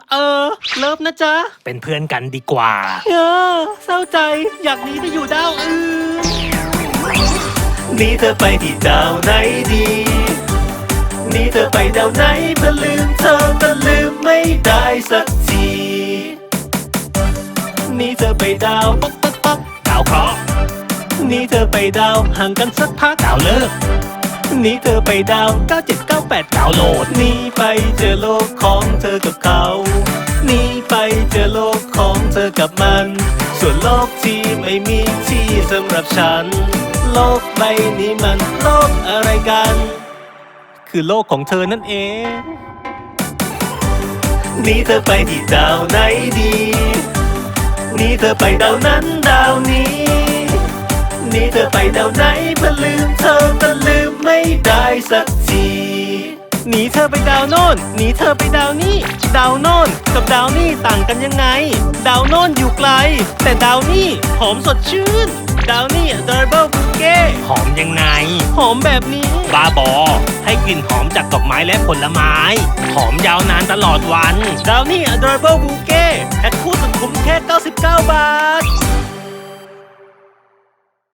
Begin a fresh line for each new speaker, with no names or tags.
เลิฟนะจ๊ะ
เป็นเพื่อนกันดีกว่า
เศร้าใจอยากหนีไปอยู่ดาวอื่นหนีเธอไปที่ดาวไหนดีหนีเธอไปดาวไหนเพื่อลืมเธอแต่ลืมไม่ได้สักทีหนีเธอไปดาวป๊อกป๊อกป๊อก
ดาวเคราะห์
หนีเธอไปดาวห่างกันสักพัก
ดาวเลิก
หนีเธอไปดาว9798
ดาวโหลด
หนีไปเจอโลกของเธอกับเขาหนีไปเจอโลกของเธอกับมันส่วนโลกที่ไม่มีที่สำหรับฉันโลกใบนี้มันโลกอะไรกันคือโลกของเธอนั่นเองหนีเธอไปที่ดาวไหนดีหนีเธอไปดาวนั้นดาวนี้หนีเธอไปดาวไหนเพื่อลืมเธอแต่ลืมไม่ได้สักทีหนีเธอไปดาวโน่นหนีเธอไปดาวนี้ดาวโน่นกับดาวนี่ต่างกันยังไงดาวโน่นอยู่ไกลแต่ดาวนี่หอมสดชื่นดาวนี่ Adorable Bouquet
หอมยังไง
หอมแบบนี้
บ้าบอให้กลิ่นหอมจากดอกไม้และผลไม้หอมยาวนานตลอดวัน
ดาวนี่ Adorable Bouquet แพ็คคู่สุดคุ้มแค่99 บาท